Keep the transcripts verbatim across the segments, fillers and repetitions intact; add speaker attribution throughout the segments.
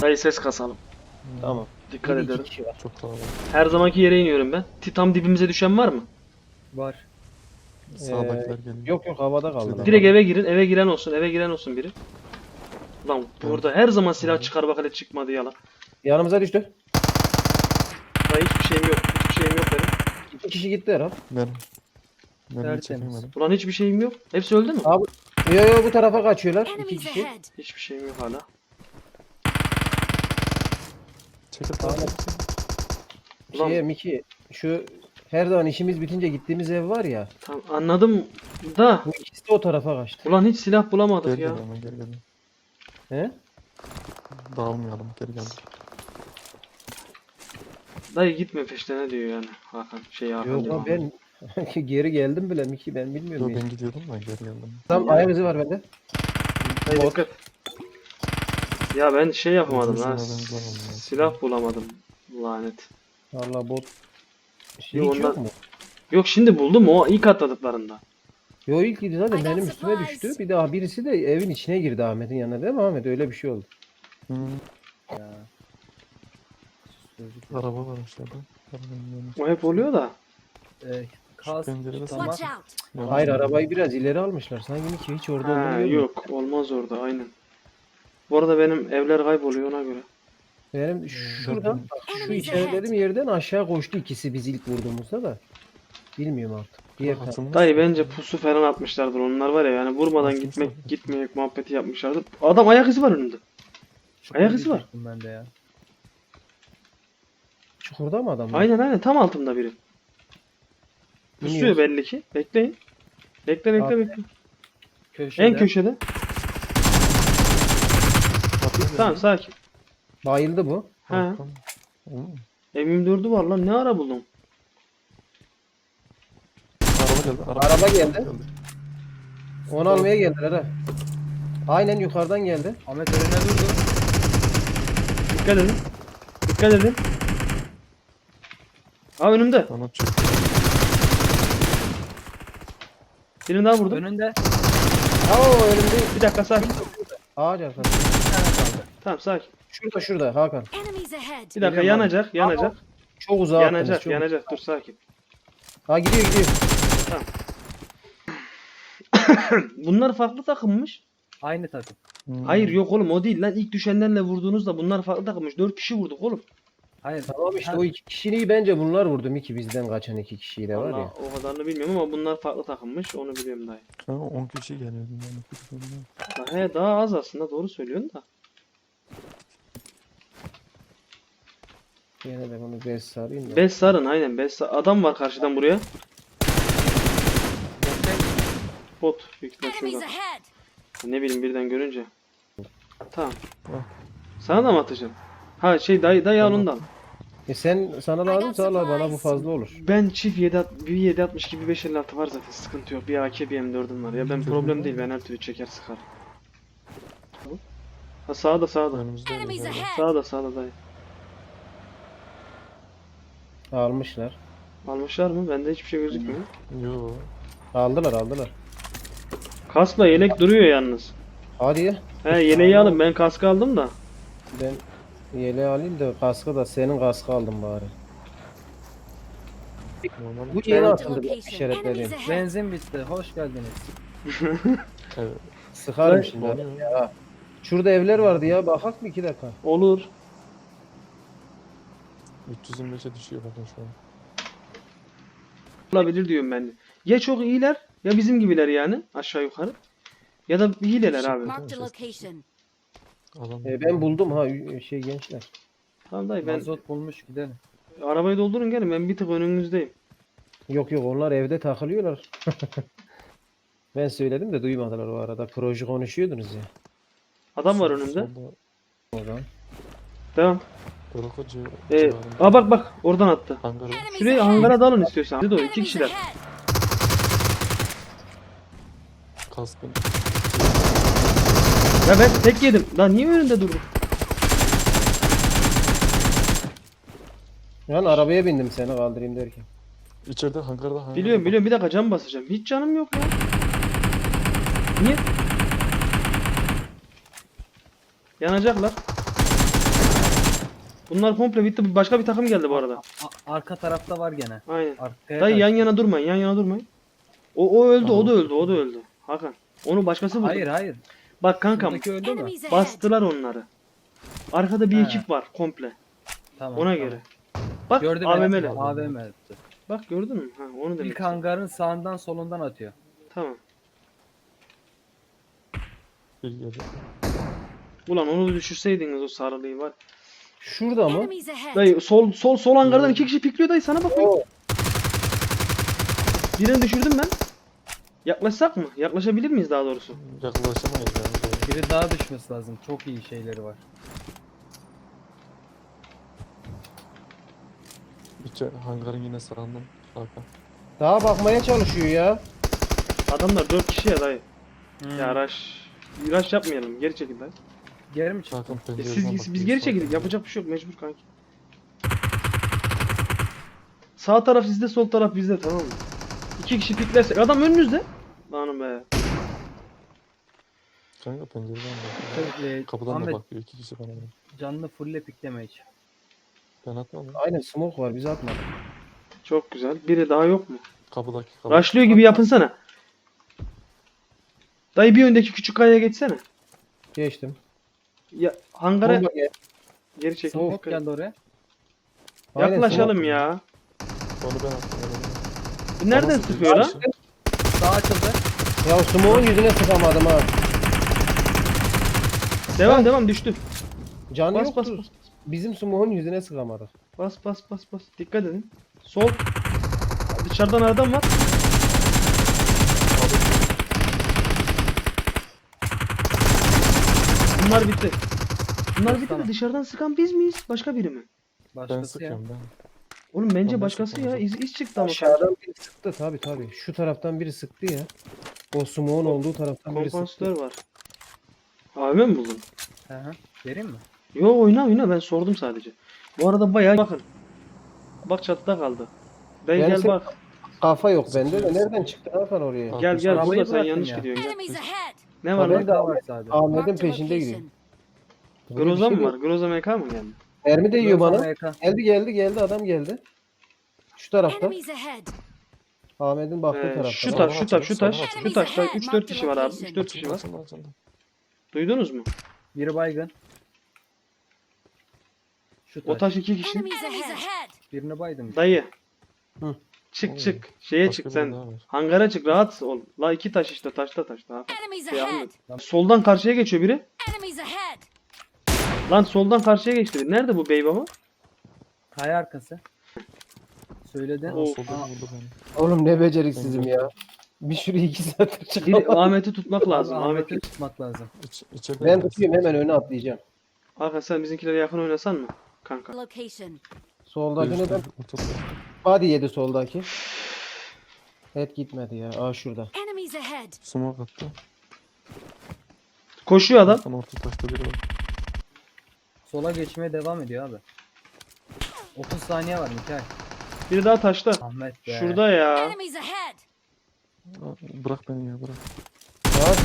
Speaker 1: Dayı ses kasalım.
Speaker 2: Tamam.
Speaker 1: Dikkat
Speaker 2: Bir iki
Speaker 1: edelim.
Speaker 2: kişi var.
Speaker 3: Çok kalabalık.
Speaker 1: Her zamanki yere iniyorum ben. Ti- Tam dibimize düşen var mı?
Speaker 4: Var.
Speaker 3: Sağdakiler geliyor.
Speaker 2: Yok yok havada kaldı.
Speaker 1: Direkt eve girin. Eve giren olsun. Eve giren olsun biri. Lan burada her zaman silah çıkar bak hele çıkmadı yalan.
Speaker 2: Yanımıza düştü.
Speaker 1: Dayı hiçbir şeyim yok. Hiçbir şeyim yok benim.
Speaker 2: İki kişi gitti herhalde.
Speaker 3: Benim. Ben de
Speaker 4: Tertemiz.
Speaker 3: çekemedim.
Speaker 1: Ulan hiçbir şeyim yok. Hepsi öldü mü?
Speaker 2: Abi yo yo bu tarafa kaçıyorlar. İki
Speaker 5: Enemies
Speaker 2: kişi.
Speaker 5: ahead.
Speaker 1: Hiçbir şeyim yok hala.
Speaker 3: Çekil
Speaker 2: Tamam.
Speaker 3: tamam.
Speaker 1: Ulan
Speaker 2: Şeye Miki şu her zaman işimiz bitince gittiğimiz ev var ya.
Speaker 1: tam anladım da.
Speaker 2: Bu ikisi de o tarafa kaçtı.
Speaker 1: Ulan hiç silah bulamadık
Speaker 3: Gel
Speaker 1: ya.
Speaker 3: gel hemen gel gel.
Speaker 2: He?
Speaker 3: Dağılmayalım gel gel.
Speaker 1: Dayı gitme peşlerine diyor yani Hakan. Şey Hakan
Speaker 2: Yok
Speaker 1: diyor.
Speaker 2: lan ben geri geldim bile Miki ben bilmiyorum.
Speaker 3: Yo
Speaker 2: ya.
Speaker 3: ben gidiyordum da geri geldim.
Speaker 2: Tam ayak izi var bende.
Speaker 1: Dayı dikkat. Ya ben şey yapamadım
Speaker 3: Gözümüzün
Speaker 1: ha.
Speaker 3: adını bulamadım ya.
Speaker 1: Silah bulamadım. Lanet.
Speaker 2: Valla bot. Şey
Speaker 1: Yo,
Speaker 2: hiç
Speaker 1: ondan-
Speaker 2: yok mu?
Speaker 1: Yok şimdi buldum o ilk atladıklarında.
Speaker 2: Yo ilk gidi zaten
Speaker 5: I got
Speaker 2: benim üstüme
Speaker 5: supplies.
Speaker 2: düştü. Bir daha birisi de evin içine girdi Ahmet'in yanına değil mi Ahmet? Öyle bir şey oldu.
Speaker 3: Hı.
Speaker 4: Ya. Sözlük.
Speaker 3: Araba var aşağıda. Arabanın yanı.
Speaker 1: O hep oluyor da.
Speaker 4: Ee, kask
Speaker 3: pencerede
Speaker 4: tamam.
Speaker 5: Watch out.
Speaker 3: Yanı-
Speaker 2: Hayır arabayı biraz ileri almışlar. Sanki Miki hiç orada
Speaker 1: Ha,
Speaker 2: olmuyor.
Speaker 1: yok olmaz orada aynen. Bu arada benim evler kayboluyor ona göre.
Speaker 2: Benim şuradan bak, şu
Speaker 5: Enemies
Speaker 2: işaretlediğim yerden aşağı koştu ikisi biz ilk vurduğumuzda da. Bilmiyorum artık. Diğer taraf.
Speaker 3: Atılmış
Speaker 1: Dayı
Speaker 3: mı?
Speaker 1: bence pusu falan atmışlardır onlar var ya yani vurmadan gitmek gitmeyek muhabbeti yapmışlardır. Adam ayak izi var önünde. Ayak izi var.
Speaker 4: düştüm ben de ya.
Speaker 2: Çukurda mı adam?
Speaker 1: Aynen aynen tam altımda biri. Pusuyor
Speaker 2: Bilmiyoruz.
Speaker 1: belli ki. Bekleyin. Bekle bekle
Speaker 4: Abi,
Speaker 1: bekle.
Speaker 4: Köşede.
Speaker 1: En köşede.
Speaker 3: Atılıyor.
Speaker 1: Tamam sakin.
Speaker 2: Bayıldı bu.
Speaker 1: Ha.
Speaker 3: Arkam. Hı.
Speaker 1: M yirmi dördü var lan ne ara buldun?
Speaker 3: Araba geldi. Araba,
Speaker 2: Araba geldi. Onu almaya geldiler ha. Aynen yukarıdan geldi.
Speaker 4: Ahmet önüne durdu.
Speaker 1: Dikkat edin. Dikkat edin. Aa önümde.
Speaker 3: Bana çok.
Speaker 1: Birini daha vurdum.
Speaker 4: Önünde.
Speaker 2: Oo önümde
Speaker 1: Bir dakika sakin.
Speaker 2: ağaç arkası.
Speaker 4: Bir tane kaldı.
Speaker 1: Tamam sakin.
Speaker 2: Şurada şurada Hakan.
Speaker 5: Enemies ahead.
Speaker 1: Bir dakika
Speaker 2: Geliyorum abi.
Speaker 1: yanacak yanacak.
Speaker 2: Çok uzağa attınız,
Speaker 1: Yanacak
Speaker 2: çok-
Speaker 1: yanacak dur sakin.
Speaker 2: Ha gidiyor gidiyor.
Speaker 1: Bunlar farklı takımmış.
Speaker 4: Aynı takım.
Speaker 3: Hı.
Speaker 1: Hayır yok oğlum o değil lan ilk düşenlerle vurduğunuzda bunlar farklı takımmış. dört kişi vurduk oğlum.
Speaker 4: Hayır.
Speaker 2: Tamam işte
Speaker 4: Ha,
Speaker 2: o iki kişiyi bence bunlar vurdu Miki bizden kaçan iki kişiyi de var
Speaker 1: Vallahi
Speaker 2: ya.
Speaker 1: o kadarını bilmiyorum ama bunlar farklı takımmış onu biliyorum dayı.
Speaker 3: Ha, on kişi geliyordu yani.
Speaker 1: Ha, He daha az aslında doğru söylüyorsun da.
Speaker 2: Yine de bunu bez sarayım da.
Speaker 1: Bez sarın aynen bez sar- adam var karşıdan buraya. Bot büyük ihtimal
Speaker 5: Enemies
Speaker 1: şurada.
Speaker 5: ahead.
Speaker 1: Ne bileyim birden görünce. Tamam.
Speaker 3: Ah.
Speaker 1: Sana da mı atacağım? Ha şey dayı dayı al
Speaker 3: Tamam.
Speaker 1: ondan.
Speaker 2: E sen sana lazım sağ ol, bana bu fazla olur.
Speaker 1: Ben çift yedi at- bir yedi altmış gibi beş elli altı var zaten sıkıntı yok. Bir A K bir M dördüm var ya ben problem değil ben her türlü çeker sıkar. Ha sağda sağda.
Speaker 3: Önümüzde
Speaker 5: Enemies
Speaker 3: öyle.
Speaker 5: ahead.
Speaker 1: Sağda sağda dayı.
Speaker 2: Almışlar.
Speaker 1: Almışlar mı? Bende hiçbir şey gözükmüyor.
Speaker 3: Yo.
Speaker 2: Aldılar aldılar.
Speaker 1: Kaskla yelek duruyor yalnız.
Speaker 2: Hadi ya.
Speaker 1: He yeleği alın ben kask aldım da.
Speaker 2: Ben yeleği alayım da kaskı da senin kaskı aldım bari.
Speaker 3: Normal.
Speaker 2: Bu yeni
Speaker 5: Marked a
Speaker 2: atıldı
Speaker 5: location.
Speaker 2: işaretlediğim.
Speaker 5: Enemies ahead.
Speaker 4: Benzin bitti. Hoş geldiniz.
Speaker 3: Evet.
Speaker 2: Sıkarım
Speaker 1: Ben-
Speaker 2: şimdi. Ya. Şurada evler vardı ya bakak mı iki dakika?
Speaker 1: Olur.
Speaker 3: üç yüz yirmi beşe düşüyor bakın şu an.
Speaker 1: Olabilir diyorum ben de. Ya çok iyiler ya bizim gibiler yani aşağı yukarı. Ya da hileler abi.
Speaker 5: Marked a location.
Speaker 3: Adam.
Speaker 2: E, ben buldum ha şey gençler.
Speaker 1: Tamam dayı ben
Speaker 4: Mazot bulmuş gidelim.
Speaker 1: arabayı doldurun gelin ben bir tık önünüzdeyim.
Speaker 2: Yok yok onlar evde takılıyorlar. Ben söyledim de duymadılar o arada. Proje konuşuyordunuz ya.
Speaker 1: Adam var önümde.
Speaker 3: Solda
Speaker 2: O zaman.
Speaker 1: Devam.
Speaker 3: Dorukacı
Speaker 1: Ee,
Speaker 3: civarında.
Speaker 1: aa bak bak oradan attı.
Speaker 3: Hangara.
Speaker 5: Enemies
Speaker 1: Şuraya
Speaker 5: ahead.
Speaker 1: hangara dalın istiyorsan. Hadi doğru iki
Speaker 5: Enemies
Speaker 1: kişiler.
Speaker 5: ahead.
Speaker 3: Kaskın.
Speaker 1: Ya ben tek yedim. Lan niye önünde durdun?
Speaker 2: Yani arabaya bindim seni kaldırayım derken.
Speaker 3: İçeride hangarda hangarda.
Speaker 1: Biliyorum biliyorum bir dakika cam basacağım. Hiç canım yok ya. Niye? Yanacaklar. Bunlar komple bitti. Başka bir takım geldi bu arada.
Speaker 4: A- arka tarafta var gene.
Speaker 1: Aynen.
Speaker 4: Arkaya
Speaker 1: Dayı yan
Speaker 4: kaç-
Speaker 1: yana durmayın. Yan yana durmayın. O o öldü, o da
Speaker 3: Tamam.
Speaker 1: öldü, o da öldü. Hakan. Onu başkası vurdu.
Speaker 4: Hayır hayır.
Speaker 1: Bak kankam,
Speaker 4: Şuradaki öldü mü?
Speaker 5: Enemies ahead.
Speaker 1: bastılar onları. Arkada bir
Speaker 4: He.
Speaker 1: ekip var komple.
Speaker 4: Tamam.
Speaker 1: Ona
Speaker 4: tamam.
Speaker 1: göre. Bak
Speaker 4: Gördüm
Speaker 1: A V
Speaker 4: beni.
Speaker 1: M'li.
Speaker 4: A V M'li.
Speaker 1: Bak gördün mü? Ha, onu demek
Speaker 4: İlk
Speaker 1: istedim.
Speaker 4: hangarın sağından solundan atıyor.
Speaker 1: Tamam.
Speaker 3: Bir geliyor.
Speaker 1: Ulan onu düşürseydiniz o sarılıyı var.
Speaker 2: Şurada mı?
Speaker 5: Enemies ahead.
Speaker 1: Dayı sol sol sol hangardan iki kişi pikliyor dayı, sana bak.
Speaker 2: Oo.
Speaker 1: Birini düşürdüm ben. Yaklaşsak mı? Yaklaşabilir miyiz daha doğrusu?
Speaker 3: Yaklaşamayız yani.
Speaker 4: Biri daha düşmesi lazım. Çok iyi şeyleri var.
Speaker 3: İçe, hangarın yine sağından. Hakan.
Speaker 2: Daha bakmaya çalışıyor ya.
Speaker 1: Adamlar dört kişi ya dayı.
Speaker 4: Hmm.
Speaker 1: Ya rush. Rush yapmayalım. Geri çekil dayı.
Speaker 4: Geri mi çıktı?
Speaker 3: Hakan
Speaker 1: E
Speaker 3: pencereden
Speaker 1: siz,
Speaker 3: bakıyor,
Speaker 1: biz geri
Speaker 3: sağ
Speaker 1: çekildik.
Speaker 3: tarafa.
Speaker 1: Yapacak bir şey yok. Mecbur kanki. Sağ taraf sizde, sol taraf bizde, tamam mı? İki kişi piklersek. Adam önünüzde. Lanım be.
Speaker 3: Kanka pencereden bakıyor.
Speaker 4: Ee,
Speaker 3: Kapıdan da
Speaker 4: Ahmet
Speaker 3: bakıyor. İki kişi bana.
Speaker 4: canlı fulle pikleme hiç.
Speaker 3: Ben atmadım.
Speaker 2: Aynen smoke var, biz atmadık.
Speaker 1: Çok güzel. Biri daha yok mu?
Speaker 3: Kapıdaki kapı.
Speaker 1: Rushlıyor gibi yapınsana. Dayı bir öndeki küçük kayaya geçsene.
Speaker 2: Geçtim.
Speaker 1: Ya hangara
Speaker 2: Bomba gel.
Speaker 1: geri çekil.
Speaker 4: Smoke
Speaker 1: Dikkat et.
Speaker 4: geldi oraya.
Speaker 2: Aynen,
Speaker 1: Yaklaşalım
Speaker 2: smoke.
Speaker 1: ya.
Speaker 3: Onu ben attım. onu ben-
Speaker 1: Bu nereden
Speaker 3: Tamam,
Speaker 1: sıkıyor lan?
Speaker 3: sıkıyor.
Speaker 4: Sağ açıldı.
Speaker 2: Ya smoke'un yüzüne sıkamadım ha.
Speaker 1: Devam devam, düştü.
Speaker 2: Canı
Speaker 1: Bas,
Speaker 2: yoktu.
Speaker 1: bas, bas.
Speaker 2: Bizim smoke'un yüzüne sıkamadık.
Speaker 1: Bas bas bas bas. Dikkat edin. Sol. Dışarıdan adam var. Bunlar bitti. Bunlar bitti de
Speaker 4: Tamam.
Speaker 1: dışarıdan sıkan biz miyiz? Başka biri mi?
Speaker 3: Ben
Speaker 4: Başkası ya.
Speaker 3: sıkıyorum ben.
Speaker 1: Oğlum bence
Speaker 3: Ondan
Speaker 1: başkası ya.
Speaker 3: sıkılacak.
Speaker 1: İz, iz çıktı ama.
Speaker 2: Aşağıdan biri sıktı tabi tabi. Şu taraftan biri sıktı ya. O smoke'un olduğu taraftan biri sıktı.
Speaker 1: Kompansatör var. A V M mi buldun?
Speaker 4: Hı hı. Vereyim mi?
Speaker 1: Yo, oyna oyna, ben sordum sadece. Bu arada bayağı bakın. Bak çatıda kaldı. Dayı
Speaker 2: Yani
Speaker 1: gel
Speaker 2: sen-
Speaker 1: bak.
Speaker 2: Kafa yok bende de nereden çıktı Hakan oraya?
Speaker 3: Al.
Speaker 1: Gel gel,
Speaker 4: Arabayı
Speaker 1: burada sen
Speaker 4: bıraktın
Speaker 1: yanlış
Speaker 4: ya.
Speaker 1: gidiyorsun. Gel.
Speaker 5: Enemies ahead.
Speaker 1: Ne var
Speaker 2: Haber
Speaker 1: lan?
Speaker 2: de-
Speaker 4: Daha var sadece.
Speaker 2: Ahmet'in
Speaker 5: Marked a
Speaker 2: peşinde gidiyor.
Speaker 5: location.
Speaker 2: Böyle bir
Speaker 1: Groza
Speaker 2: şey
Speaker 1: mı var?
Speaker 2: yok.
Speaker 1: Groza M K mı geldi?
Speaker 2: Mermi de yiyor
Speaker 4: Groza
Speaker 2: bana.
Speaker 4: M K.
Speaker 2: Geldi geldi geldi adam geldi. Şu tarafta.
Speaker 5: Enemies ahead.
Speaker 2: Ahmet'in baktığı
Speaker 1: Ee,
Speaker 2: tarafta.
Speaker 1: şu
Speaker 3: Sağdan
Speaker 1: taş, şu taş, şu
Speaker 3: açalım,
Speaker 1: taş,
Speaker 3: sağdan
Speaker 1: şu
Speaker 5: açalım.
Speaker 1: taşta üç dört kişi var abi. üç dört kişi var.
Speaker 3: Açıldı, açıldı.
Speaker 1: Duydunuz mu?
Speaker 4: Biri baygın. Şu
Speaker 1: O
Speaker 4: taş.
Speaker 1: taş iki kişi.
Speaker 5: Enemies ahead.
Speaker 4: Birini baydım.
Speaker 1: Dayı.
Speaker 2: Hı.
Speaker 1: Çık
Speaker 3: Oğlum,
Speaker 1: çık. Şeye
Speaker 3: başka
Speaker 1: çık
Speaker 3: biri
Speaker 1: sen.
Speaker 3: daha var.
Speaker 1: Hangara çık, rahat ol. La iki taş işte, taşta taşta. Ha.
Speaker 5: Enemies
Speaker 1: Şey,
Speaker 5: ahead.
Speaker 1: Ahmet. Soldan karşıya geçiyor biri.
Speaker 5: Enemies ahead.
Speaker 1: Lan soldan karşıya geçti biri. Nerede bu bey baba?
Speaker 4: Kaya arkası. Söyledin.
Speaker 3: Aa,
Speaker 1: O-
Speaker 3: solda
Speaker 4: Aa,
Speaker 3: vurdu beni.
Speaker 2: Oğlum ne beceriksizim ya. Bir şuraya iki saattir
Speaker 1: Biri
Speaker 2: çıkamadım.
Speaker 1: Ahmet'i tutmak lazım.
Speaker 4: Abi,
Speaker 1: Ahmet'i.
Speaker 4: Ahmet'i tutmak lazım.
Speaker 3: İç, içeride
Speaker 2: Ben
Speaker 3: yani.
Speaker 2: tutuyorum hemen öne atlayacağım.
Speaker 1: Hakan sen bizimkilere yakın oynasan mı? Kanka.
Speaker 5: Location.
Speaker 2: Soldakine de
Speaker 3: Görüşürüz, ortada.
Speaker 2: body yedi soldaki. Et gitmedi ya. Aa şurada.
Speaker 5: Enemies ahead.
Speaker 3: Smoke attı.
Speaker 1: Koşuyor adam.
Speaker 3: Tam orta taşta biri var.
Speaker 4: Sola geçmeye devam ediyor abi. otuz saniye var Mikael.
Speaker 1: Biri daha taşta.
Speaker 4: Ahmet be.
Speaker 1: Şurada ya.
Speaker 5: Enemies ahead.
Speaker 3: Aa, Bırak beni ya bırak.
Speaker 2: Ya,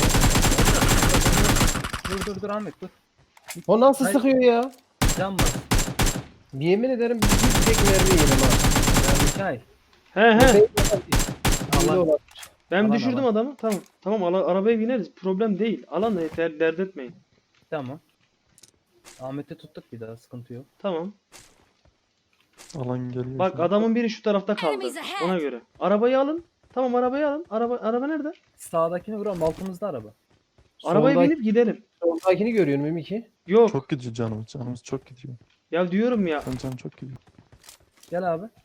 Speaker 4: Dur dur dur Ahmet dur.
Speaker 2: o nasıl
Speaker 4: Hayır.
Speaker 2: sıkıyor ya?
Speaker 4: Can var.
Speaker 2: Yemin ederim bir bir tek mermi yedim ha.
Speaker 4: Ya Mikael.
Speaker 1: He he.
Speaker 2: Allah.
Speaker 4: Allah.
Speaker 1: Ben
Speaker 4: Alan,
Speaker 1: düşürdüm
Speaker 4: alan.
Speaker 1: adamı. Tamam. Tamam, ala- arabaya bineriz. Problem değil. Alan da yeter, dert etmeyin.
Speaker 4: Tamam. Ahmet'i tuttuk bir daha sıkıntı yok.
Speaker 1: Tamam.
Speaker 3: Alan geliyor.
Speaker 1: Bak
Speaker 3: şu an.
Speaker 1: adamın biri şu tarafta kaldı.
Speaker 5: Enemies ahead.
Speaker 1: Ona göre. Arabayı alın. Tamam, arabayı alın. Araba araba nerede?
Speaker 4: Sağdakini vuralım altımızda araba.
Speaker 1: Arabaya
Speaker 2: Soldaki-
Speaker 1: binip gidelim.
Speaker 2: Soldakini görüyorum M iki.
Speaker 1: Yok.
Speaker 3: Çok gidiyor canımız. Canımız çok gidiyor.
Speaker 1: Ya diyorum ya.
Speaker 3: Sen canım çok gidiyor.
Speaker 4: Gel abi.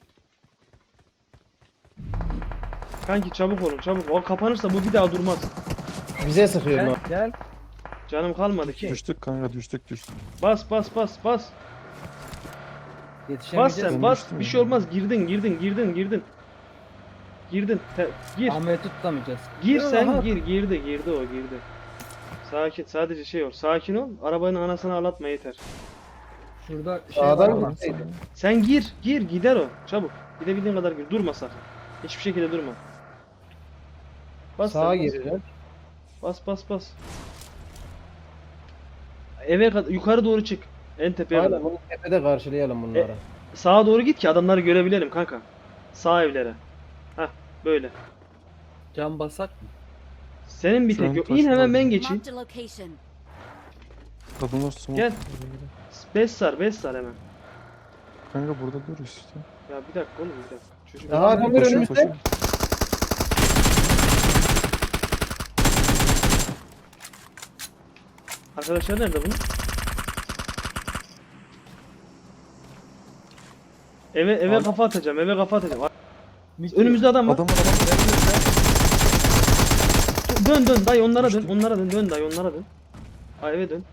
Speaker 1: Kanki çabuk olun, çabuk. O kapanırsa bu bir daha durmaz.
Speaker 2: Bize sıkıyor
Speaker 4: Gel
Speaker 2: lan.
Speaker 4: gel.
Speaker 1: Canım kalmadı ki.
Speaker 3: Düştük kanka düştük düştük.
Speaker 1: Bas bas bas bas. Bas
Speaker 4: Yetişemeyeceğiz.
Speaker 1: sen
Speaker 3: Ben
Speaker 1: bas.
Speaker 3: düştüm
Speaker 1: Bir
Speaker 3: ya.
Speaker 1: şey olmaz. Girdin girdin girdin girdin. Girdin. Te- gir.
Speaker 4: Ahmet'i tutamayacağız.
Speaker 1: Gir
Speaker 4: Aha.
Speaker 1: sen gir. Girdi girdi o girdi. Sakin, sadece şey ol. Sakin ol. Arabanın anasını ağlatma yeter.
Speaker 4: Şurada şey
Speaker 2: Sağdan
Speaker 4: var
Speaker 2: mı?
Speaker 4: ama.
Speaker 2: Gitseydi.
Speaker 1: Sen gir gir gider o. Çabuk. Gidebildiğin kadar gir. Durma sakın. Hiçbir şekilde durma. Bas
Speaker 2: Sağa
Speaker 1: sen, bas.
Speaker 2: gireceğim.
Speaker 1: Bas bas bas. Eve kadar yukarı doğru çık. En tepeye
Speaker 2: Aynen
Speaker 1: kadar.
Speaker 2: bunu tepede karşılayalım bunları.
Speaker 1: Sağa doğru git ki adamları görebilelim kanka. Sağ evlere. Heh böyle.
Speaker 4: Cam basak mı?
Speaker 1: Senin bir
Speaker 3: Şu an
Speaker 1: tek yok. İn
Speaker 3: taşın
Speaker 1: hemen ben
Speaker 3: orada.
Speaker 1: geçeyim.
Speaker 5: Marked a location.
Speaker 3: Adamlar smoke.
Speaker 1: Gel. Beş sar, beş sar hemen.
Speaker 3: Kanka burada dur işte.
Speaker 1: Ya bir dakika oğlum bir dakika. Çocuk
Speaker 2: Aha adamlar
Speaker 3: Koşuyor,
Speaker 2: önümüzde.
Speaker 3: koşuyor.
Speaker 1: Arkadaşlar nerede bunun? Eve eve
Speaker 4: Abi.
Speaker 1: kafa atacağım. Eve kafa atacağım.
Speaker 4: Miki,
Speaker 1: Önümüzde adam var.
Speaker 3: Adam var adam var.
Speaker 1: Dön dön dayı onlara dön.
Speaker 3: Düştü.
Speaker 1: Onlara dön. Dön dayı onlara dön. Ha eve dön.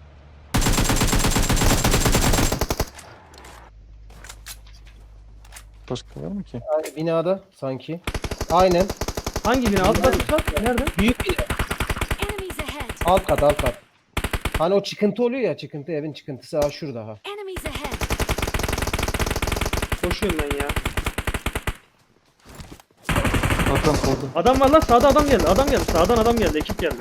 Speaker 3: Başka var mı ki?
Speaker 2: Ay, binada sanki. Aynen.
Speaker 1: Hangi bina? Alt kat kat. Nerede?
Speaker 2: Büyük bina.
Speaker 5: Enemies ahead.
Speaker 2: Alt kat alt kat. Hani o çıkıntı oluyor ya, çıkıntı, evin çıkıntısı ha şurada ha.
Speaker 5: Enemies ahead.
Speaker 1: Koşuyorum ben ya.
Speaker 3: Hakan solda.
Speaker 1: Adam var lan sağda adam geldi. Adam geldi. Sağdan adam geldi. Ekip geldi.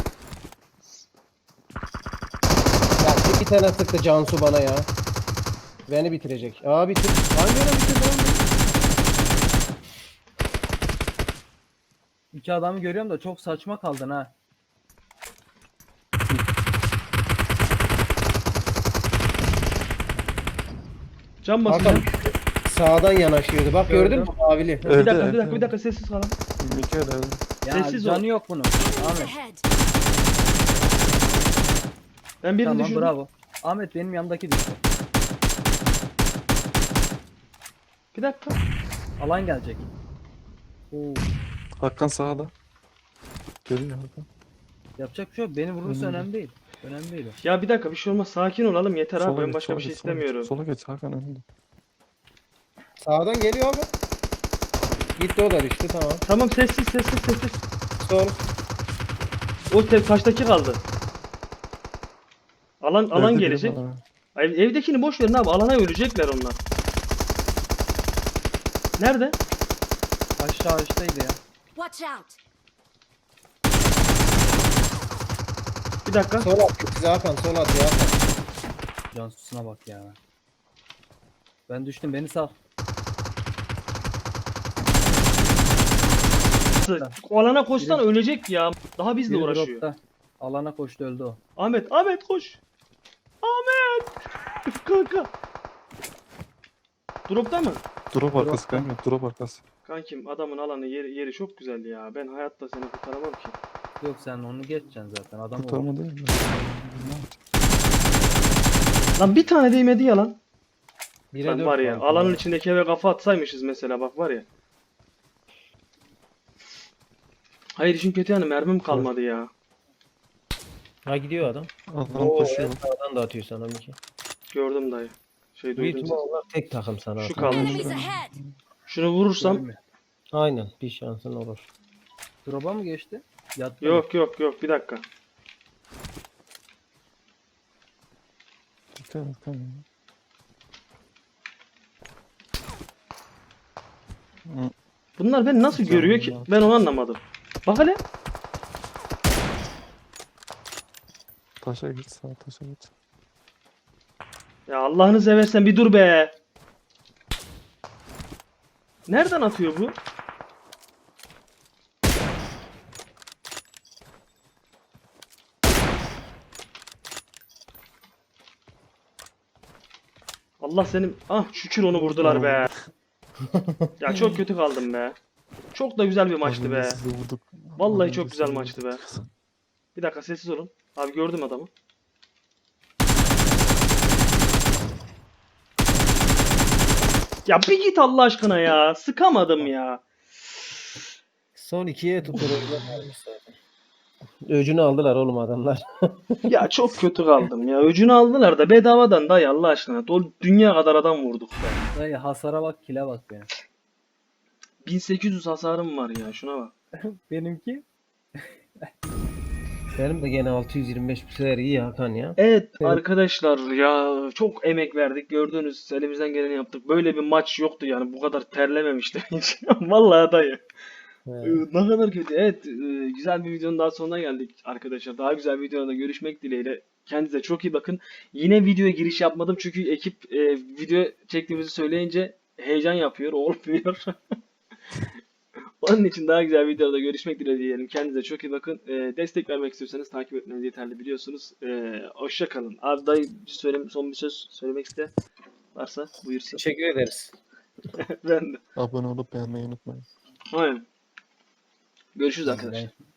Speaker 2: Ya iki tane sıktı Cansu bana ya. Beni bitirecek. Aa bitir. Hangi ara bitirdi oğlum?
Speaker 4: İki adamı görüyorum da çok saçma kaldın ha.
Speaker 1: Can
Speaker 2: Hakan
Speaker 1: basacağım.
Speaker 2: sağdan yanaşıyordu. Bak gördün mü
Speaker 4: Gördüm.
Speaker 2: mavili?
Speaker 1: Bir
Speaker 3: Evde,
Speaker 1: dakika bir
Speaker 3: evde,
Speaker 1: dakika bir
Speaker 3: evde.
Speaker 1: dakika sessiz kalın.
Speaker 3: Mikael evde.
Speaker 4: Ya
Speaker 1: Sessiz ol.
Speaker 4: canı yok bunun.
Speaker 5: Enemies
Speaker 4: Ahmet.
Speaker 5: ahead.
Speaker 1: Ben birini
Speaker 4: Tamam
Speaker 1: düşürdüm.
Speaker 4: bravo. Ahmet benim yanımdaki düştü.
Speaker 1: Bir dakika.
Speaker 4: Alan gelecek. Oo,
Speaker 3: Hakan sağda. Geliyor Hakan.
Speaker 4: yapacak bir şey yok. Beni vurursa
Speaker 3: Önümde.
Speaker 4: önemli değil. Önemli değil. o.
Speaker 1: Ya bir dakika bir şey olmaz. Sakin olalım yeter abi.
Speaker 3: Sola
Speaker 1: Ben
Speaker 3: geç,
Speaker 1: başka
Speaker 3: sola
Speaker 1: bir şey
Speaker 3: geç, sola geç.
Speaker 1: istemiyorum.
Speaker 3: Sola geç Hakan önünde.
Speaker 2: Sağdan geliyor abi. Gitti o da düştü tamam.
Speaker 1: Tamam sessiz sessiz sessiz.
Speaker 2: Sol.
Speaker 1: O te- taştaki kaldı. Alan alan
Speaker 3: Evde biri
Speaker 1: gelecek.
Speaker 3: var ha.
Speaker 1: Ay, evdekini boş verin abi. Alana ölecekler onlar. Nerede?
Speaker 4: Aşağı üstteydi ya.
Speaker 5: Watch out.
Speaker 1: Bir dakika.
Speaker 2: Sol at bize Hakan, sol at ya Hakan.
Speaker 4: Cansus'una bak ya. Ben düştüm beni sal.
Speaker 1: O alana koşsan ölecek ya. Daha bizle
Speaker 4: Biri
Speaker 1: uğraşıyor.
Speaker 4: dropta. Alana koştu öldü o.
Speaker 1: Ahmet, Ahmet koş. Ahmet. Kanka. Dropta mı?
Speaker 3: Drop arkası kanka. Drop arkası.
Speaker 1: Kankim adamın alanı yeri, yeri çok güzel ya. Ben hayatta seni kurtaramam ki.
Speaker 4: Yok sen onu geçeceksin zaten. Adam o.
Speaker 3: Kurtarma değil mi?
Speaker 1: Lan bir tane değmedi ya lan.
Speaker 2: Bire
Speaker 1: Lan
Speaker 2: dört
Speaker 1: var ya
Speaker 2: kanka.
Speaker 1: alanın içindeki eve kafa atsaymışız mesela bak var ya. Hayır işin kötü yani mermim kalmadı ya.
Speaker 2: Ha gidiyor adam.
Speaker 3: Adam
Speaker 2: Oo,
Speaker 3: koşuyor.
Speaker 2: evet, sağdan da atıyor sana Miki.
Speaker 1: Gördüm dayı. Şey
Speaker 2: Büyük
Speaker 1: duydum.
Speaker 2: ihtimal
Speaker 1: sesi.
Speaker 2: onlar tek takım sana.
Speaker 1: Şu
Speaker 2: Hakan.
Speaker 1: kaldı.
Speaker 5: Enemies ahead.
Speaker 1: Şunu vurursam.
Speaker 4: Görmüyor.
Speaker 2: Aynen bir şansın olur.
Speaker 4: Drop'a mı geçti? Yattı mı?
Speaker 1: Yok yok yok bir dakika.
Speaker 3: Dikkat et kanka. Hı,
Speaker 1: Bunlar beni nasıl görüyor ki? Ben onu anlamadım. Bak hele.
Speaker 3: Taşa git sağ taşa git.
Speaker 1: Ya Allah'ını seversen bir dur be. Nereden atıyor bu? Allah senin... Ah şükür onu vurdular be. Ya çok kötü kaldım be. Çok da güzel bir maçtı
Speaker 3: Az
Speaker 1: be.
Speaker 3: önce sizi vurduk.
Speaker 1: Vallahi
Speaker 3: Az
Speaker 1: çok
Speaker 3: önce
Speaker 1: güzel
Speaker 3: sizi
Speaker 1: maçtı
Speaker 3: vurduk.
Speaker 1: Bir dakika sessiz olun. Abi gördüm adamı. Ya bir git Allah aşkına ya. Sıkamadım ya.
Speaker 2: Son ikiye tutulurlar zaten. Öcünü aldılar oğlum adamlar.
Speaker 1: Ya çok kötü kaldım ya. Öcünü aldılar da bedavadan dayı Allah aşkına. Dol dünya kadar adam vurduk be.
Speaker 4: Dayı hasara bak kile bak benim.
Speaker 1: bin sekiz yüz hasarım var ya şuna bak.
Speaker 4: Benimki
Speaker 2: Benim de gene altı yüz yirmi beş bir sefer iyi Hakan ya.
Speaker 1: Evet
Speaker 2: Evet.
Speaker 1: arkadaşlar ya çok emek verdik gördünüz elimizden geleni yaptık. Böyle bir maç yoktu yani bu kadar terlememiştim hiç. Vallahi dayı.
Speaker 2: He.
Speaker 1: Ee, Ne kadar kötü. Evet, e, güzel bir videonun daha sonuna geldik arkadaşlar. Daha güzel bir videoda görüşmek dileğiyle. Kendinize çok iyi bakın. Yine videoya giriş yapmadım çünkü ekip e, video çektiğimizi söyleyince heyecan yapıyor, olmuyor. Onun için daha güzel videoda görüşmek dileğiyle diyelim. Kendinize çok iyi bakın. E, destek vermek istiyorsanız takip etmeniz yeterli biliyorsunuz. E, hoşça kalın. Abi dayı bir söyle, son bir söz söylemek iste varsa buyursun.
Speaker 2: Teşekkür ederiz.
Speaker 1: Ben de.
Speaker 3: Abone olup beğenmeyi unutmayın.
Speaker 1: Aynen. Görüşürüz arkadaşlar.
Speaker 4: Ben-